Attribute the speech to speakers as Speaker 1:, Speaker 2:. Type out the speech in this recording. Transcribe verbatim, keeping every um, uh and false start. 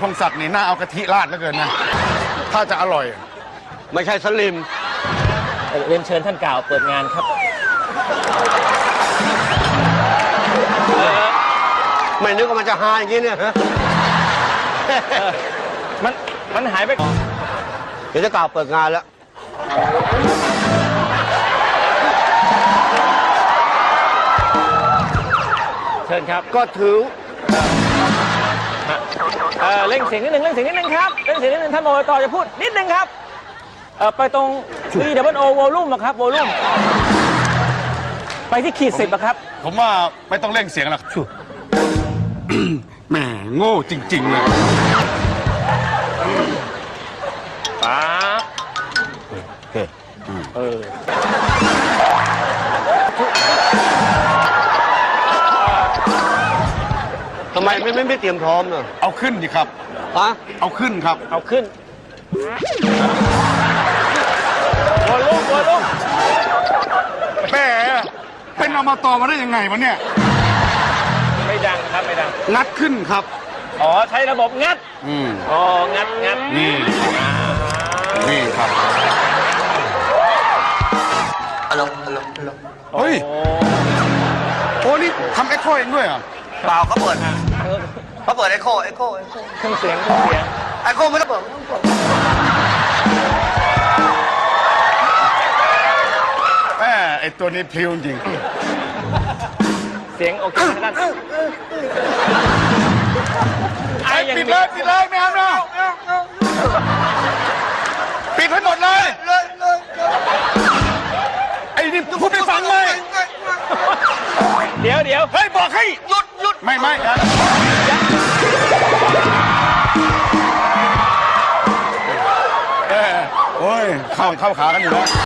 Speaker 1: พงศักดิ์นี่น่าเอากะทิราดแล้วเกินนะถ้าจะอร่อย
Speaker 2: ไม่ใช่สลิม
Speaker 3: เรียนเชิญท่านกล่าวเปิดงานครับ
Speaker 2: ไม่นึกว่ามันจะหายอย่างนี้เนี่ย
Speaker 3: มันมันหายไป
Speaker 2: เดี๋ยวจะกล่าวเปิดงานแล้ว
Speaker 3: เชิญครับ
Speaker 2: ก็ถือ
Speaker 3: เออเร่งเสียงนิดนึงเร่งเสียงนิดนึงครับเร่งเสียงนิดนึงท่านอบตจะพูดนิดนึงครับเออไปตรง V W O volume อะครับ volume ไปที่ขีดสิบอะครับ
Speaker 1: ผมว่าไม่ต้องเร่งเสียงหรอกแหมโง่จริงๆเลย
Speaker 3: ป๊าเออ
Speaker 2: ทำไมไม่ไม่ไม่เตรียมพร้อมเนอะ
Speaker 1: เอาขึ้นดิครับ
Speaker 2: ฮะ
Speaker 1: เอาขึ้นครับ
Speaker 3: เอาขึ้นวอลลุ่มวอลลุ่ม
Speaker 1: แม่เป็นอบตมาได้ยังไงวะเนี่ย
Speaker 3: ไม่ดังครับไม่ดัง
Speaker 1: งัดขึ้นครับ
Speaker 3: อ๋อใช้ระบบงัด
Speaker 1: อืม
Speaker 3: อ๋องัดงัด
Speaker 1: นี่นี่ครับ
Speaker 2: ฮัลโหลฮัลโหลฮัลโหล
Speaker 1: เฮ้ยโอ้นี่ทำเอ็กโคเองด้วยเหรอ
Speaker 2: เปล่าเขาเปิดเขาเปิดเอ็กโคเอ็กโคเอ็กโค
Speaker 3: เครื่องเสียงเครื่องเสียง
Speaker 2: เอ็กโคไม่ต้องเปิดไม่ต้องเปิด
Speaker 1: แม่ไอตัวนี้พลิ้วจริง
Speaker 3: เสียงโอเคนั่น
Speaker 1: ไอ้ปิดเลยปิดเลยไม่เอาเนาะปิดให้หมดเลยไอ้นี่พูดไปฟังเลย
Speaker 3: เดี๋ยวเดี๋ยว
Speaker 1: เฮ้ยบอกให้หยุดหยุดไม่ไม่เออโอ้ยเข้าเข้าขากันอยู่แล้ว